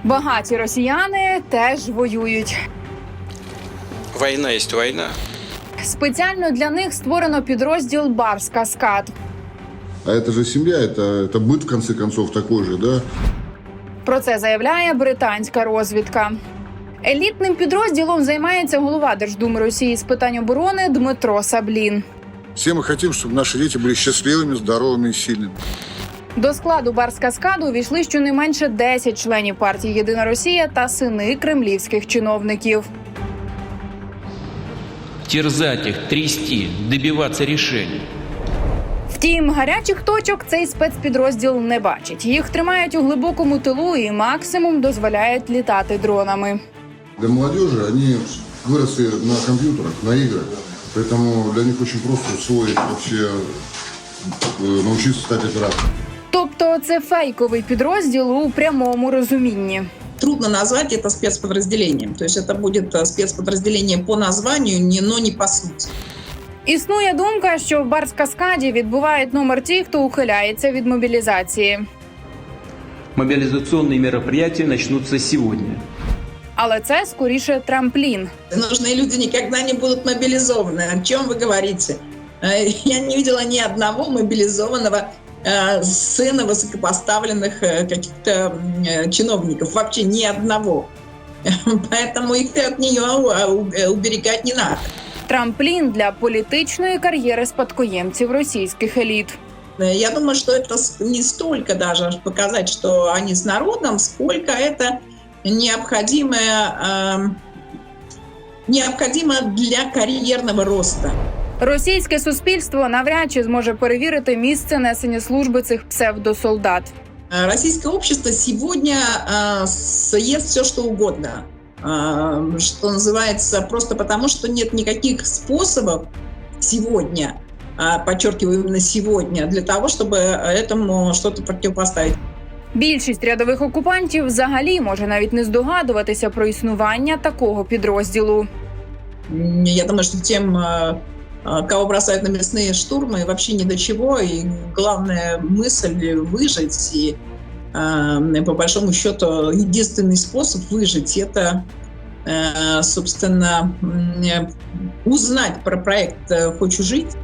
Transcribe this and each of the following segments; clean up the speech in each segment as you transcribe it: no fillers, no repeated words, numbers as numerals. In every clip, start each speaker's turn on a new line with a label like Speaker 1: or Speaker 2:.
Speaker 1: Багаті росіяни теж воюють.
Speaker 2: Війна є війна.
Speaker 1: Спеціально для них створено підрозділ «Барс-Каскад».
Speaker 3: А это же семья, это быт, в конце концов, такой же, да?
Speaker 1: Про це заявляє британська розвідка. Елітним підрозділом займається голова Держдуми Росії з питань оборони Дмитро Саблін.
Speaker 3: Все мы хотим, чтобы наши дети были счастливыми, здоровыми и сильными.
Speaker 1: До складу «Барс-Каскаду» увійшли щонайменше 10 членів партії «Єдина Росія» та сини кремлівських чиновників.
Speaker 4: Терзать их, трясти, добиваться решений.
Speaker 1: Втім, гарячих точок цей спецпідрозділ не бачить. Їх тримають у глибокому тилу і максимум дозволяють літати дронами.
Speaker 3: Для молодежи они выросли на компьютерах, на играх. Поэтому для них очень просто усвоить вообще, научиться стать оператором.
Speaker 1: Тобто це фейковий підрозділ у прямому розумінні.
Speaker 5: Трудно назвать это спецподразделением. То есть это будет спецподразделение по названию, но не по сути.
Speaker 1: Існує думка, що в «Барс-Каскаді» відбувають номер ті, хто ухиляється від мобілізації.
Speaker 4: Мобилизационные мероприятия начнутся сегодня.
Speaker 1: Але це скоріше трамплін.
Speaker 5: Нужные люди никогда не будут мобилизованы. О чем вы говорите? Я не видела ни одного мобилизованного сына высокопоставленных каких-то чиновников. Вообще ни одного. Поэтому их от нее уберегать не надо.
Speaker 1: Трамплін для політичної кар'єри спадкоємців російських еліт.
Speaker 5: Я думаю, что это не столько даже показать, что они с народом, сколько это необходимо для кар'єрного росту.
Speaker 1: Російське суспільство навряд чи зможе перевірити місце несення служби цих псевдосолдат.
Speaker 5: Российское общество сегодня съест все, что угодно. Что называется, просто потому, что нет никаких способов сегодня, подчеркиваю именно сегодня, для того, чтобы этому что-то противопоставить.
Speaker 1: Більшість рядових окупантів взагалі може навіть не здогадуватися про існування такого підрозділу.
Speaker 5: Я думаю, что тем, кого бросают на мясные штурмы, вообще ни до чего. И главная мысль выжить. И по большому счету единственный способ выжить – это, собственно, узнать про проект «Хочу жить».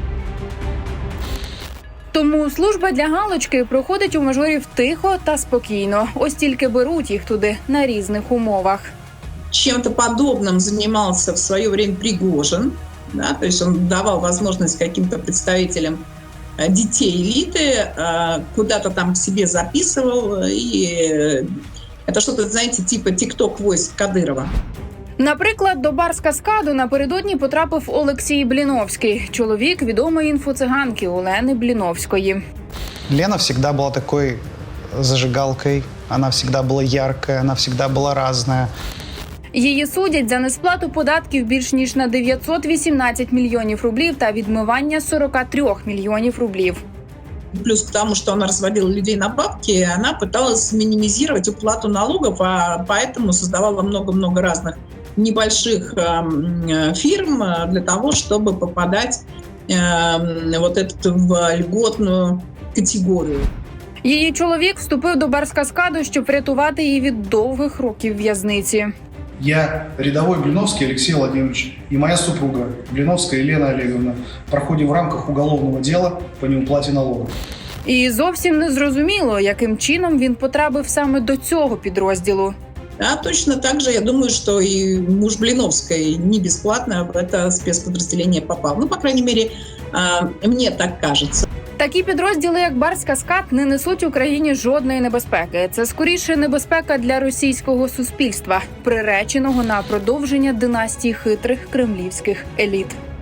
Speaker 1: Тому служба для галочки проходить у мажорів тихо та спокійно. Ось тільки беруть їх туди на різних умовах.
Speaker 5: Чем-то подобным занимался в свое время Пригожин. Да, то есть он давал возможность каким-то представителям детей элиты, куда-то там к себе записывал. И это что-то, знаете, типа тик-ток войск Кадырова.
Speaker 1: Наприклад, до «Барс-Каскаду» напередодні потрапив Олексій Бліновський, чоловік відомої інфоциганки Олени Бліновської.
Speaker 6: Лена всегда была такой зажигалкой, она всегда была яркая, она всегда была разная.
Speaker 1: Її судять за несплату податків більш ніж на 918 мільйонів рублів та відмивання 43 мільйонів рублів.
Speaker 5: Плюс к тому, что она разводила людей на бабки, она пыталась минимизировать уплату налогов, а поэтому создавала много-много разных небольших фирм для того, чтобы попадать вот эту в льготную категорию.
Speaker 1: Її чоловік вступив до «Барс-Каскаду», щоб врятувати її від довгих років в'язниці.
Speaker 7: Я рядовой Блиновский Алексей Владимирович и моя супруга Блиновская Елена Олеговна проходим в рамках уголовного дела по неуплате налогов.
Speaker 1: І зовсім не зрозуміло, яким чином він потрапив саме до цього підрозділу.
Speaker 5: Да, точно так же, я думаю, что и муж Блиновской не бесплатно в это спецподразделение попал. Ну, по крайней мере, мне так кажется.
Speaker 1: Такі підрозділи, як «Барс-Каскад», не несуть Україні жодної небезпеки. Це скоріше небезпека для російського суспільства, приреченого на продовження династії хитрих кремлівських еліт.